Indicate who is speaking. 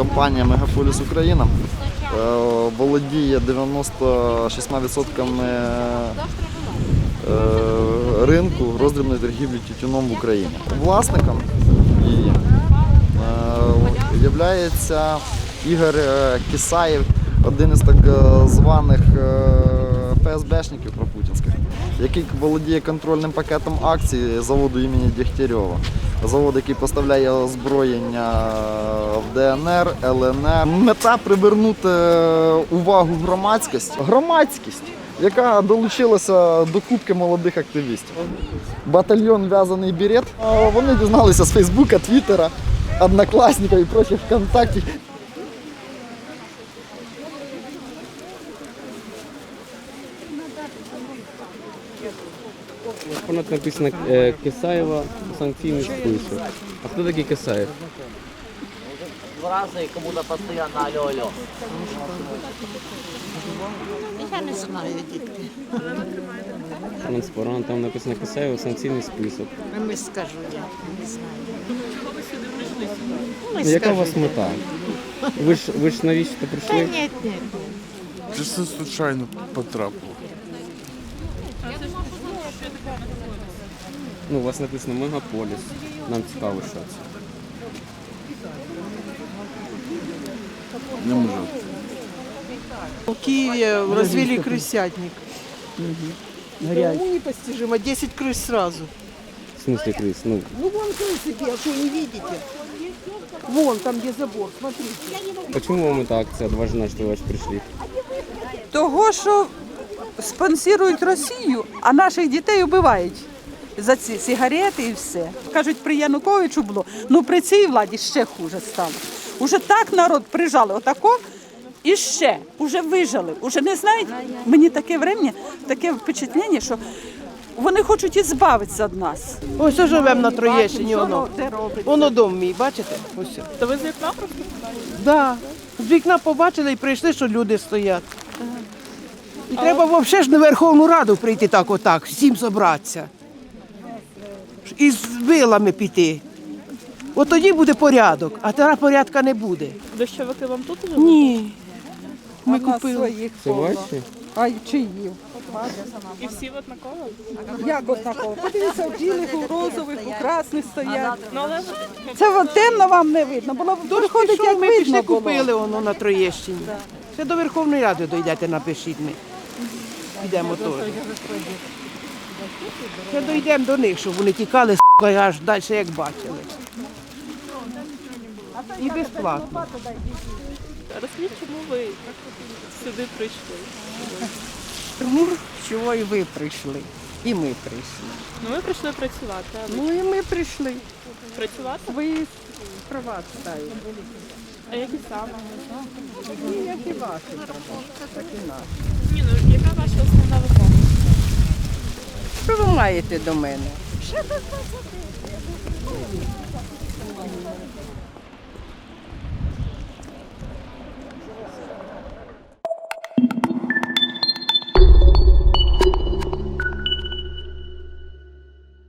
Speaker 1: компанія Мегаполіс Україна володіє 96% ринку роздрібної торгівлі тютюном в Україні. Власником її є Ігор Кисаєв, один із так званих ФСБшників пропутінських, який володіє контрольним пакетом акцій заводу імені Дегтярьова. Завод, який поставляє озброєння в ДНР, ЛНР. Мета – привернути увагу громадськість, яка долучилася до кубки молодих активістів. Батальйон «В'язаний берет». Вони дізналися з Фейсбука, Твіттера, Однокласника і прочих ВКонтакті.
Speaker 2: Понад написано Кисаєва, санкційний список. А хто такий Кисаєв?
Speaker 3: Разные, кому-то постоянно алло-алло.
Speaker 4: Я не знаю, дітки.
Speaker 2: Транспарант, там написано Кисаєва, санкційний список.
Speaker 4: Не скажу я, не знаю.
Speaker 2: Яка у вас мета? Ви ж навіщо
Speaker 4: Та
Speaker 2: прийшли?
Speaker 4: ні.
Speaker 5: Чисто случайно потрапив.
Speaker 2: Ну, у вас написано Мегаполіс. Нам цікаво, що це.
Speaker 5: Не можу.
Speaker 6: В Киеве развели крысятник. Уму непостижимо, 10 крыс сразу.
Speaker 2: В смысле крис? Ну,
Speaker 6: Ну вон крысики, а что, не видите? Вон, там где забор, смотрите.
Speaker 2: чому вам эта акція важна, що ви прийшли?
Speaker 7: Того, що спонсорують Росію, а наших дітей вбивають за ці сигарети і все. Кажуть, при Януковичу було, ну при цій владі ще хуже стало. Уже так народ прижали, отако, і ще, уже вижили, уже не знають, мені таке врем'я, таке впечатлення, що вони хочуть і збавитися від нас.
Speaker 6: Ось ось живемо на Троєщині,
Speaker 7: Бачимо,
Speaker 6: воно.
Speaker 7: що де робиться.
Speaker 6: Воно дом мій, бачите? Ось.
Speaker 7: То ви з вікна просто?
Speaker 6: Да. З вікна побачили і прийшли, що люди стоять. І треба взагалі ж на Верховну Раду прийти так отак, всім зібратися. І з вилами піти. От тоді буде порядок, а тоді порядка не буде.
Speaker 8: Дощовики вам тут живуть?
Speaker 6: Ні. Ми
Speaker 7: А в нас
Speaker 6: купили.
Speaker 7: своїх
Speaker 2: Це
Speaker 7: повно.
Speaker 2: ваші?
Speaker 7: А чиї?
Speaker 8: І всі однаково?
Speaker 7: Як однаково? Подивіться, в білих, у розових, у красних стоять.
Speaker 8: Ну, але
Speaker 7: Це от темно вам не видно, було
Speaker 6: Дощ
Speaker 7: виходить,
Speaker 6: пішов,
Speaker 7: як
Speaker 6: ми пішли,
Speaker 7: видно було.
Speaker 6: купили воно на Троєщині. Ще до Верховної Ради дійдете, напишіть ми. Підемо теж. Ще дійдемо до них, щоб вони тікали, аж далі, як бачили. І безплатно.
Speaker 8: розкажіть, чому ви сюди прийшли?
Speaker 9: Тому чого і ви прийшли, і ми прийшли.
Speaker 8: Ну, ми прийшли працювати. А ви
Speaker 9: Ну і ми прийшли.
Speaker 8: працювати?
Speaker 9: Свої права читають.
Speaker 8: А які саме?
Speaker 9: І як і ваші права, так і наші.
Speaker 8: Ні, ну, яка ваша основна вимога?
Speaker 9: Що ви маєте до мене?